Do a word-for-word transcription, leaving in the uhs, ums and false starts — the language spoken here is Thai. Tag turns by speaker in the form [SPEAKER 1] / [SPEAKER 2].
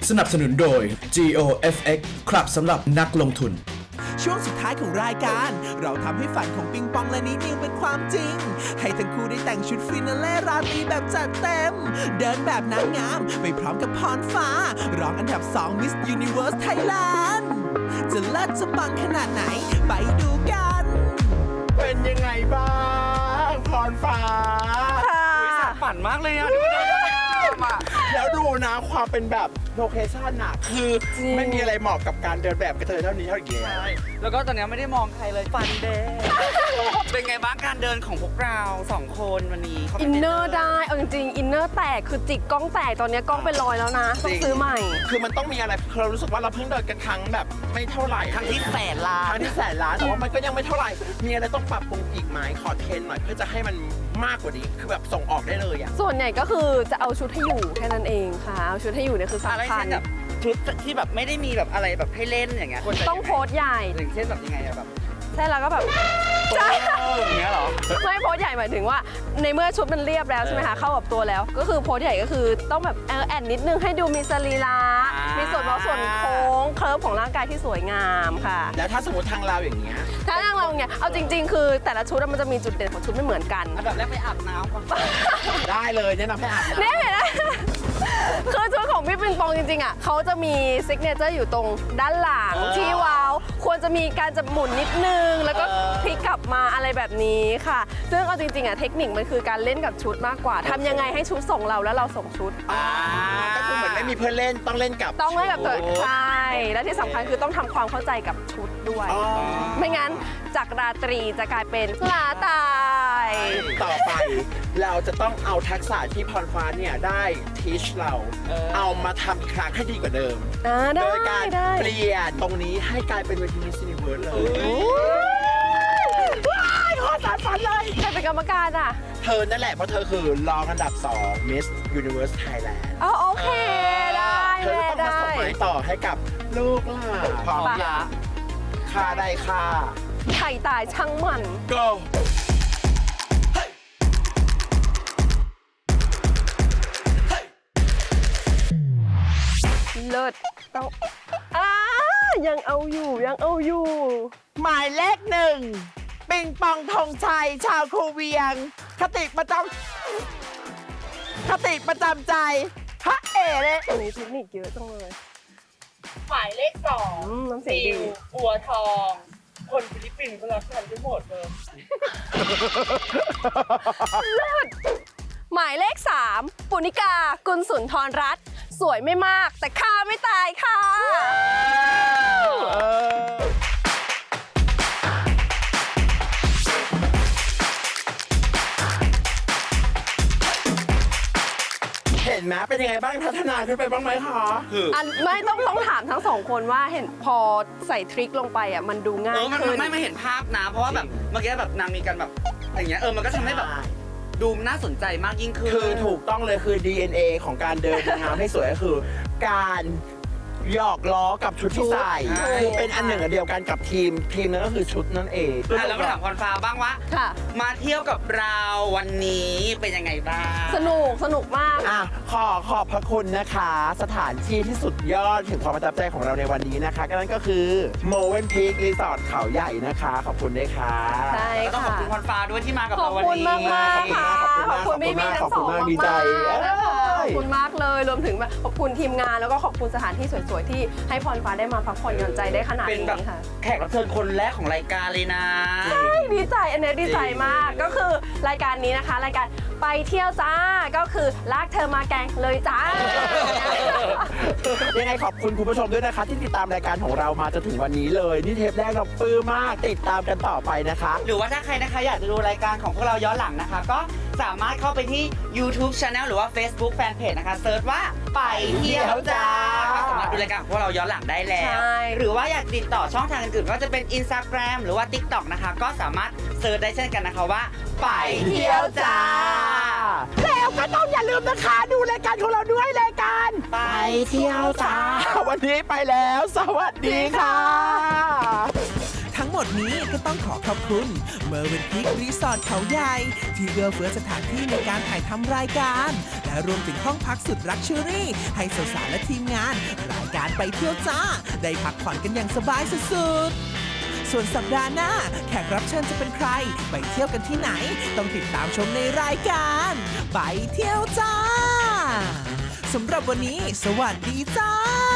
[SPEAKER 1] สนับสนุนโดย จี โอ เอฟ เอ็กซ์ ครับสำหรับนักลงทุน
[SPEAKER 2] ช่วงสุดท้ายของรายการเราทำให้ฝันของปิงปองและนิดนิวเป็นความจริงให้ทั้งคู่ได้แต่งชุดฟินาเล่ราตรีแบบจัดเต็มเดินแบบนางงามไปพร้อมกับพรฟ้ารองอันดับสอง Miss Universe Thailand จะเลิศจะปังขนาดไหนไปดูกัน
[SPEAKER 3] เป็นยังไงบ้างพรฟ้า
[SPEAKER 4] ฝันมากเลยอ่ะ
[SPEAKER 3] แล้วดูนะความเป็นแบบโลเคชั่นน่ะคือไม่มีอะไรเหมาะกับการเดินแบบกระเทยเท่านี้เท่านี้
[SPEAKER 4] ใช่แล้วก็ตอนนี้ไม่ได้มองใครเลยฝันเด้เป็นไงบ้างการเดินของพวกเราสองคนวันนี้
[SPEAKER 5] อินเนอร์ได้เอาจริงๆอินเนอร์แตกคือจิกกล้องแตกตอนนี้กล้องเป็นรอยแล้วนะต้องซื้อใหม่
[SPEAKER 3] คือมันต้องมีอะไรเรารู้สึกว่าเราเพิ่งเดินกันครั้งแบบไม่เท่าไหร่
[SPEAKER 4] ครั้งที่แสนล้าน
[SPEAKER 3] ครั้งที่แสนล้านแต่ว่ามันก็ยังไม่เท่าไหร่มีอะไรต้องปรับปรุงอีกไหมขอเทรนหน่อยเพื่อจะให้มันมากกว่านี้คือแบบส่งออกได้เลยอ่ะ
[SPEAKER 5] ส่วนใหญ่ก็คือจะเอาชุดให้อยู่แค่นั้นเองค่ะเอาชุดให้อยู่เนี่ยคือสำคัญ
[SPEAKER 4] ชุดที่แบบไม่ได้มีแบบอะไรแบบให้เล่นอย่างเงี้ย
[SPEAKER 5] ต้องโพสใหญ่
[SPEAKER 4] อย่างเช่นแบบยังไงอะแบบ
[SPEAKER 5] ใช่แล้วก็แบบ
[SPEAKER 4] ใช่อย่างเงี้ยหรอ
[SPEAKER 5] ไม่โพสใหญ่หมายถึงว่าในเมื่อชุดมันเรียบแล้วใช่ไหมคะเข้ากับตัวแล้วก็คือโพสใหญ่ก็คือต้องแบบแอดนิดนึงให้ดูมีสรีระมีส่วนเว้าส่วนโค้งเคิร์ฟของร่างกายที่สวยงามค่ะ
[SPEAKER 3] แล้วถ้าสมมติทางเราอย่างเงี้ย
[SPEAKER 5] ถ้าทางเราเนี่ยเอาจริงๆคือแต่ละชุดมันจะมีจุดเด่นของชุดไม่เหมือนกัน
[SPEAKER 4] แบบแรกไปอาบน้ำก่อน
[SPEAKER 3] ได้เลยแนะนำให้อาบน้ำ
[SPEAKER 5] เนี่ยเห็นไหมคือชุดของพี่ปิงปองจริงๆอ่ะเขาจะมีซิกเนเจอร์อยู่ตรงด้านหลังที่ว้าวควรจะมีการจะหมุนนิดนึงแล้วก็พลิกกลับมาอะไรแบบนี้ค่ะซึ่งเอาจริงๆอ่ะเทคนิคมันคือการเล่นกับชุดมากกว่าทำยังไงให้ชุดส่งเราแล้วเราส่งชุด
[SPEAKER 3] ก็คือเหมือนไม่มีเพื่อนเล่นต้องเล่นกับ
[SPEAKER 5] ต้องเล่นกับตัวใช่และที่สำคัญคือต้องทำความเข้าใจกับชุดด้วยไม่งั้นจากราตรีจะกลายเป็นลาตาย
[SPEAKER 3] ต่อไปเราจะต้องเอาทักษะที่พรฟ้าเนี่ยได้ทีชเราเอามาทำอีกครั้งให้ดีกว่าเดิมโดยการเปลี่ยนตรงนี้ให้กลายเป็นเวที Miss Universe เลยว้ายขอสารฝันเลย
[SPEAKER 5] ใครเป็นกรรมการอ่ะ
[SPEAKER 3] เธอนั่นแหละเพราะเธอคือรองอันดับสอง Miss Universe Thailand
[SPEAKER 5] อ๋อโอเคได้
[SPEAKER 3] เธอต้องมาส่งไม้ต่อให้กับลูกหลานพร้อมยะค่าได้ค่า
[SPEAKER 5] ไข่ตายช่างมัน
[SPEAKER 3] go
[SPEAKER 5] เลิศต้องอ่ายังเอาอยู่ยังเอาอยู่
[SPEAKER 3] หมายเลขหนึ่งปิงปองธงชัยชาวคูเวียงคติประจำคติประจำใจพระเอ๋เลย
[SPEAKER 5] อันนี้เทคนิคเยอะจังเลย
[SPEAKER 6] หมายเลขสอง
[SPEAKER 5] น้ำเสียงดี
[SPEAKER 6] อัวทองคนฟิลิปปินส์เขารักกันที่หมดเลย
[SPEAKER 5] เลิศหมายเลขสามปุณิกากุลสุนทรรัตน์สวยไม่มากแต่ฆ่าไม่ตายค่ะ
[SPEAKER 3] เห็นไหมเป็นยังไงบ้างพัฒนาขึ้นไปบ้างไหมคะ
[SPEAKER 5] อันไม่ต้องต้องถามทั้งสองคนว่าเห็นพอใส่ทริคลงไปอ่ะมันดูง่ายขึ้น
[SPEAKER 4] ไม่ไม่เห็นภาพนะเพราะว่าแบบเมื่อกี้แบบนางมีกันแบบอย่างเงี้ยเออมันก็ทำให้แบบดูน่าสนใจมากยิ่งขึ้น
[SPEAKER 3] คือถูกต้องเลยคือ ดี เอ็น เอ ของการเดินนางงามให้สวยก็คือการหยอกล้อกับชุดที่ใส่คือเป็นอันหนึ่งอันเดียวกันกับทีมทีมนั้นก็คือชุดนั่นเอง
[SPEAKER 4] แล้วก็ถามพรฟ้าบ้างว่ามาเที่ยวกับเราวันนี้เป็นยังไงบ้าง
[SPEAKER 5] สนุกสนุกมาก
[SPEAKER 3] อ่ะขอขอบพระคุณนะคะสถานที่ที่สุดยอดถึงความประทับใจของเราในวันนี้นะคะก็นั่นก็คือโมเวนพีครีสอร์ทเขาใหญ่นะคะขอบคุณด้วยค่ะ
[SPEAKER 5] ใช่ค่ะ
[SPEAKER 4] ต้องขอบคุณพรฟ้าด้วยที่มากับเราวันนี้
[SPEAKER 5] ขอบคุณมากๆค่ะขอบคุณพี่มีทั้งสองมากขอบคุณมากเลยรวมถึงขอบคุณทีมงานแล้วก็ขอบคุณสถานที่สวยๆที่ให้พรฟ้าได้มาพักผ่อนหย่อนใจได้ขนาดนี้ค่ะ
[SPEAKER 4] แขกรับเชิญคนแรกของรายการเลยนะ
[SPEAKER 5] ใช่ดีใจอันนี้ดีใจมากก็คือรายการนี้นะคะรายการไปเที่ยวจ้าก็คือลากเธอมาแกงเลยจ้า
[SPEAKER 3] ยังไงขอบคุณคุณผู้ชมด้วยนะคะที่ติดตามรายการของเรามาจนถึงวันนี้เลยนี่เทปแรกเราปลื้มมากติดตามกันต่อไปนะคะ
[SPEAKER 4] หรือว่าถ้าใครนะคะอยากจะดูรายการของพวกเราย้อนหลังนะคะก็สามารถเข้าไปที่ YouTube Channel หรือว่า Facebook Fanpage นะคะเซิร์ชว่าไปเที่ยวจ้าสามารถดูรายการของพวกเราย้อนหลังได้แล้วหรือว่าอยากติดต่อช่องทางอื่นๆก็จะเป็น Instagram หรือว่า TikTok นะคะก็สามารถเซิร์ชได้เช่นกันนะคะว่าไปเที่ยวจ้า
[SPEAKER 3] แล้วก็ต้องอย่าลืมนะคะดูรายการของเราด้วยรายการ
[SPEAKER 4] ไปเที่ยวจ้า
[SPEAKER 3] วันนี้ไปแล้วสวัสดีค่ะ
[SPEAKER 2] ทั้งหมดนี้ก็ต้องขอขอบคุณเมอร์เวนพิกรีสอร์ทเขาใหญ่ที่เอื้อเฟื้อสถานที่ในการถ่ายทำรายการและรวมถึงห้องพักสุดลักชัวรี่ให้สาวๆและทีมงานรายการไปเที่ยวจ้าได้พักผ่อนกันอย่างสบายสุดๆส่วนสัปดาห์หน้าแขกรับเชิญจะเป็นใครไปเที่ยวกันที่ไหนต้องติดตามชมในรายการไปเที่ยวจ้าสำหรับวันนี้สวัสดีจ้า